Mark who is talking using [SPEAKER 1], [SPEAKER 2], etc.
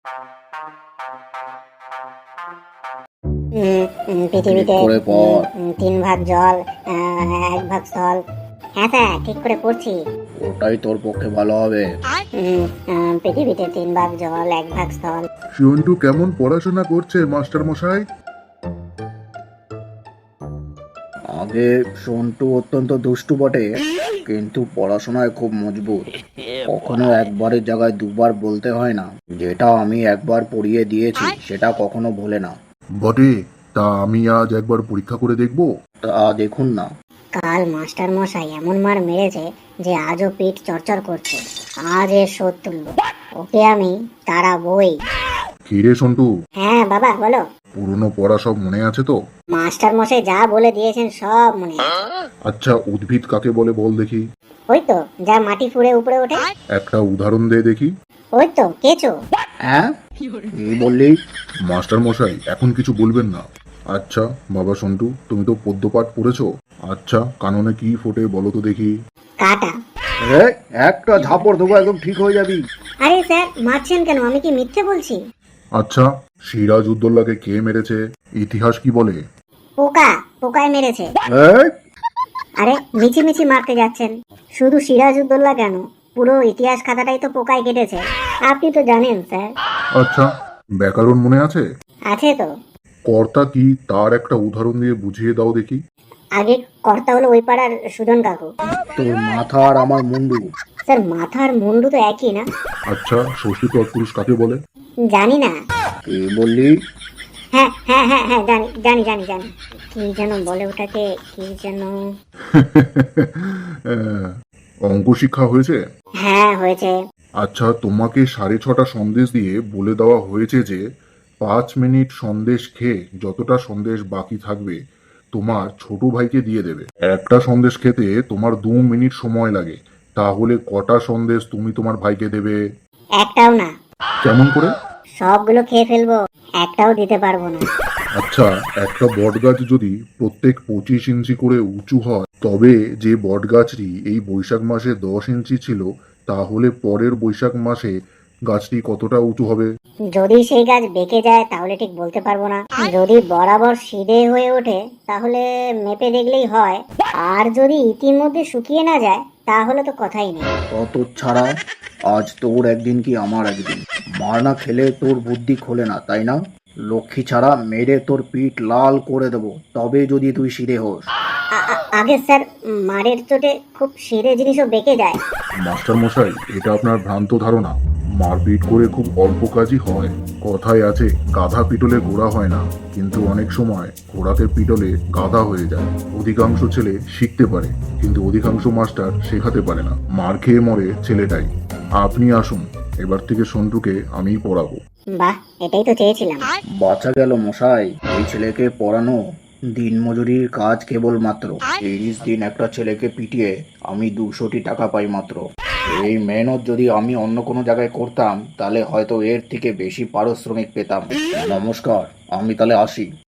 [SPEAKER 1] পৃথিবীতে
[SPEAKER 2] করে পড়।
[SPEAKER 1] 3 ভাগ জল, 1 ভাগ স্থল। হ্যাঁ স্যার, ঠিক করে পড়ছি।
[SPEAKER 2] ওটাই তোর পক্ষে ভালো হবে।
[SPEAKER 1] পৃথিবীতে 3 ভাগ জল, 1 ভাগ স্থল।
[SPEAKER 3] সন্টু কেমন পড়াশোনা করছে মাস্টার মশাই?
[SPEAKER 2] আগে সন্টু অত্যন্ত দুষ্টু বটে, কিন্তু পড়াশোনায় খুব মজবুত। কখনো একবারের জায়গায় দুবার বলতে হয় না। যেটা আমি একবার পড়িয়ে দিয়েছি সেটা কখনো ভোলে না।
[SPEAKER 3] বটে, তা আমি আজ একবার পরীক্ষা করে দেখব।
[SPEAKER 2] তা দেখুন না।
[SPEAKER 1] কাল মাস্টার মশাই এমন মার মেরেছে যে আজও পিঠ চরচর করছে। আজ এর শোধ তুলবো। ওকে আমি তাড়াবই।
[SPEAKER 3] কি রে সন্টু,
[SPEAKER 1] হ্যাঁ বাবা, বলো।
[SPEAKER 3] পুরনো পড়া সব মনে আছে তো?
[SPEAKER 1] মাস্টার মশাই যা বলে দিয়েছেন সব মনে আছে।
[SPEAKER 3] আচ্ছা, উদ্ভিদ কাকে বলে বল দেখি?
[SPEAKER 1] ওই তো যা মাটি ফুঁড়ে উপরে ওঠে।
[SPEAKER 3] একটা উদাহরণ দে দেখি।
[SPEAKER 1] ওই তো কেঁচো।
[SPEAKER 2] হ্যাঁ, কি বললি?
[SPEAKER 3] মাস্টার মশাই এখন কিছু বলবেন না। আচ্ছা বাবা সন্টু, তুমি তো পদ্যপাঠ পড়েছো। আচ্ছা, কাননে কি ফোটে বলো তো দেখি।
[SPEAKER 1] কাটা।
[SPEAKER 2] একটা ঝাপড় দেবো, একদম ঠিক হয়ে যাবি।
[SPEAKER 1] আরে স্যার, মারছেন কেন? আমি কি মিথ্যে বলছি?
[SPEAKER 3] আচ্ছা, সিরাজ উদ্দৌলাকে কে মেরেছে? ইতিহাস কি বলে?
[SPEAKER 1] পোকায় মেরেছে।
[SPEAKER 2] এই,
[SPEAKER 1] আরে মিছি মারতে যাচ্ছেন। শুধু সিরাজউদ্দৌলা কেন, পুরো ইতিহাস খাতাটাই তো পোকায় কেটেছে। আপনি তো জানেন স্যার।
[SPEAKER 3] আচ্ছা, ব্যাকরণ মনে আছে?
[SPEAKER 1] আছে তো।
[SPEAKER 3] কর্তা কি তার একটা উদাহরণ দিয়ে বুঝিয়ে দাও দেখি।
[SPEAKER 1] আগে কর্তা হলো ওই পাড়ার সুজন কাকু।
[SPEAKER 2] তোর মাথা আর আমার মুন্ডু।
[SPEAKER 1] স্যার, মাথা আর মুন্ডু তো একই না?
[SPEAKER 3] আচ্ছা, ষষ্ঠী তৎপুরুষ কাকে বলে?
[SPEAKER 1] জানি না।
[SPEAKER 2] কি বললি?
[SPEAKER 1] হ্যাঁ হ্যাঁ হ্যাঁ হ্যাঁ, জানি। কি যেন বলে ওটাকে, কি যেন।
[SPEAKER 3] আহ, অঙ্ক শিক্ষা হয়েছে?
[SPEAKER 1] হ্যাঁ হয়েছে।
[SPEAKER 3] আচ্ছা, তোমাকে 6:30 সন্দেশ দিয়ে বলে দেওয়া হয়েছে যে 5 মিনিট সন্দেশ খেয়ে যতটা সন্দেশ বাকি থাকবে তোমার ছোট ভাইকে দিয়ে দেবে। একটা সন্দেশ খেতে তোমার 2 মিনিট সময় লাগে, তাহলে কটা সন্দেশ তুমি তোমার ভাইকে দেবে?
[SPEAKER 1] একটাও না।
[SPEAKER 3] কেমন করে?
[SPEAKER 1] সবগুলো খেয়ে ফেলবো, একটাও দিতে পারবো না।
[SPEAKER 3] আচ্ছা, একটা বটগাছ যদি প্রত্যেক 25 ইঞ্চি করে উঁচু হয়, তবে যে বটগাছটি এই বৈশাখ মাসে 10 ইঞ্চি ছিল, তাহলে পরের বৈশাখ মাসে গাছটি কতটা উঁচু হবে?
[SPEAKER 1] যদি সেই গাছ বেঁকে যায় তাহলে ঠিক বলতে পারবো না। যদি বরাবর সিধে হয়ে ওঠে তাহলে মেপে দেখলেই হয়। আর যদি ইতিমধ্যে শুকিয়ে না যায় তাহলে তো কথাই নেই।
[SPEAKER 2] কত ছাড়া, আজ তোর একদিন কি আমার একদিন। মার না খেলে তোর বুদ্ধি খোলে না, তাই না? লক্ষ্মী ছাড়া মেরে তোর পিঠ লাল করে দেবো, তবে যদি তুই সিধে হোস।
[SPEAKER 1] আগে স্যার, মারের চোটে খুব সিধে জিনিসও বেঁকে যায়।
[SPEAKER 3] মাস্টার মশাই, এটা আপনার ভ্রান্ত ধারণা। মারপিট করে খুব অল্প কাজই হয়। কথায় আছে, গাধা পিটলে ঘোড়া হয় না, কিন্তু অনেক সময় ঘোড়াকে পিটলে গাধা হয়ে যায়। অধিকাংশ ছেলে শিখতে পারে, কিন্তু অধিকাংশ মাস্টার শেখাতে পারে না। মার খেয়ে মরে ছেলেটাই। আপনি আসুন, এবার থেকে সন্টুকে আমিই পড়াবো।
[SPEAKER 1] বাহ, এটাই তো চেয়েছিলাম।
[SPEAKER 2] বাঁচা গেল মশাই। এই ছেলেকে পড়ানো দিনমজুরির কাজ কেবল মাত্র। 30 দিন একটা ছেলেকে পিটিয়ে আমি 200টি টাকা পাই মাত্র। এই মেহনত যদি আমি অন্য কোনো জায়গায় করতাম তাহলে হয়তো এর থেকে বেশি পারিশ্রমিক পেতাম। নমস্কার, আমি তাহলে আসি।